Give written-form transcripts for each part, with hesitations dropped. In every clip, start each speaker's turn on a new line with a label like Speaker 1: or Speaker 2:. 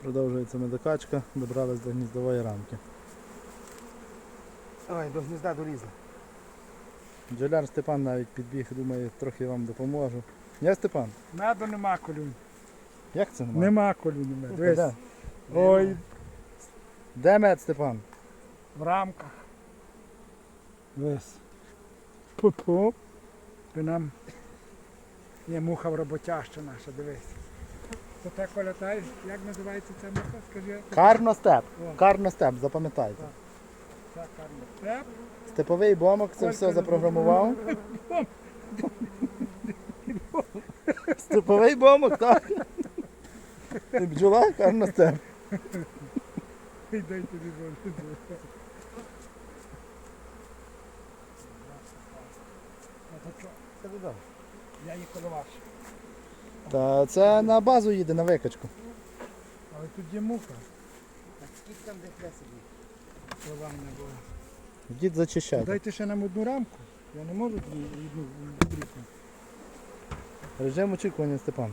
Speaker 1: Продовжується медокачка, добрались до гніздової рамки.
Speaker 2: Ой, до гнізда долізли.
Speaker 1: Бджоляр Степан навіть підбіг, думає, трохи вам допоможу. Я Степан?
Speaker 3: Меду нема колюнь.
Speaker 1: Як це немає?
Speaker 3: Нема колюнь меду.
Speaker 1: Де?
Speaker 3: Дивись. Ой,
Speaker 1: Де мед, Степан?
Speaker 3: в рамках. Дивись. Пу-пу. Ти нам є муха в роботяща наша, дивись. То те, Коля, та, як називається ця муха? Скажи.
Speaker 1: Карностеп.
Speaker 3: О.
Speaker 1: Карностеп, запам'ятайте.
Speaker 3: Так. Це карностеп.
Speaker 1: Степовий бомок це все запрограмував. Степовий бомок, так? І бджола, карностеп.
Speaker 3: Дай тобі Боже. А то що?
Speaker 2: Це додому.
Speaker 3: Я її коловаш.
Speaker 1: Та це на базу їде, на викачку.
Speaker 3: Але тут є муха.
Speaker 2: Так скільки там де сидить?
Speaker 3: Коловання була.
Speaker 1: Йдіть зачищайте.
Speaker 3: Дайте ще нам одну рамку. Я не можу одну дрібку.
Speaker 1: Режим очікування, Степан.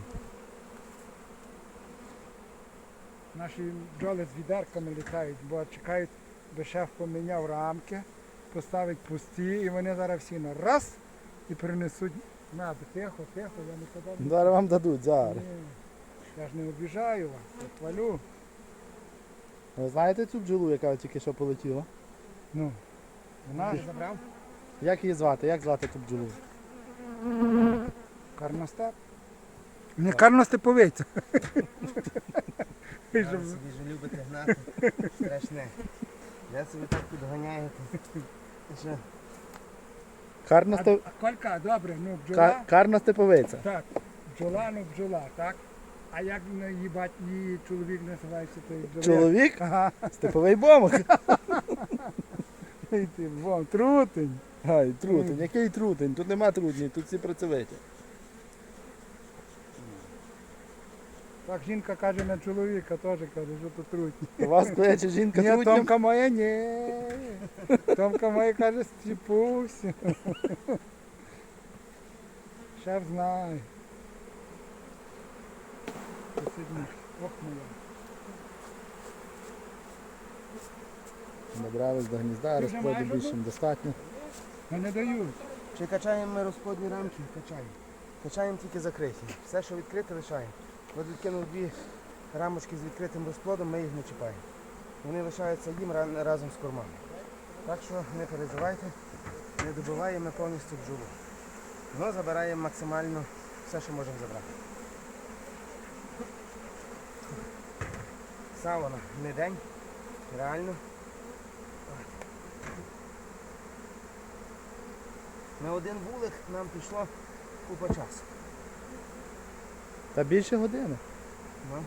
Speaker 3: Наші бджоли з відерками літають, бо чекають, би шеф поміняв рамки, поставить пусті і вони зараз всі на раз і принесуть мед. Тихо, тихо, я не подав.
Speaker 1: Зараз вам дадуть, зараз.
Speaker 3: Ні, я ж не обіжаю вас, я хвалю.
Speaker 1: Ви знаєте цю бджолу, яка тільки що полетіла?
Speaker 3: Ну, вона ж
Speaker 2: Забрав?
Speaker 1: Як її звати? Як звати ту бджолу?
Speaker 3: карностеп. Не карностеповиця.
Speaker 2: Ви собі ж любите гнати. Страшне. Я собі так підганяєте. Що?
Speaker 1: Карностеп...
Speaker 3: А Колька, добре, ну бджола.
Speaker 1: Карностеповиця.
Speaker 3: Так, бджола, ну бджола, так? А як її чоловік називається той бджоляр?
Speaker 1: Чоловік?
Speaker 3: Ага.
Speaker 1: Степовий бомок.
Speaker 3: Ей ти, вон, трутень.
Speaker 1: Ай, трутень. Який трутень? Тут нема трутні, тут всі працьовиті.
Speaker 3: Так жінка каже на чоловіка, теж каже, що то трутні.
Speaker 1: У вас кличе жінка
Speaker 3: Ні,
Speaker 1: трутнем?
Speaker 3: Томка моя, ні. Томка моя каже, стіпусь. Шеф знає. Посидні. Ох моя.
Speaker 1: Добрались до гнізда,
Speaker 3: Ти вже
Speaker 1: розплоду
Speaker 3: маєш
Speaker 1: більше
Speaker 3: одну?
Speaker 1: не достатньо.
Speaker 3: Ну не дають.
Speaker 2: Чи качаємо ми розплодні рамки? Качаємо. Качаємо тільки закриті. Все, що відкрите, лишаємо. От відкинув дві рамочки з відкритим розплодом, ми їх не чіпаємо. Вони лишаються їм разом з кормами. Так що не переживайте, не добиваємо ми повністю бджолу. Но забираємо максимально все, що можемо забрати. Сауна не день, реально. На один вулик нам пішло купа часу.
Speaker 1: Та більше години.
Speaker 2: Ну.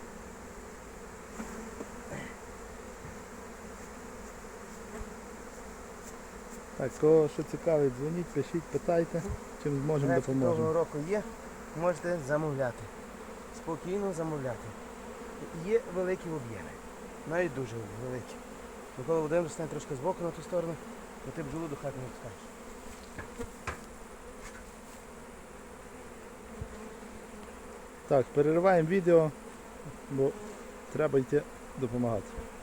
Speaker 1: Так, кого що цікавить, дзвоніть, пишіть, питайте, чим зможемо,
Speaker 2: Речі того
Speaker 1: допоможемо.
Speaker 2: року є, можете замовляти. Спокійно замовляти. Є великі об'єми. Навіть дуже великі. Бо коли один стане трошки збоку на ту сторону, то ти бджолу до хати не пускаєш.
Speaker 1: Так, перериваємо відео, бо треба йти допомагати.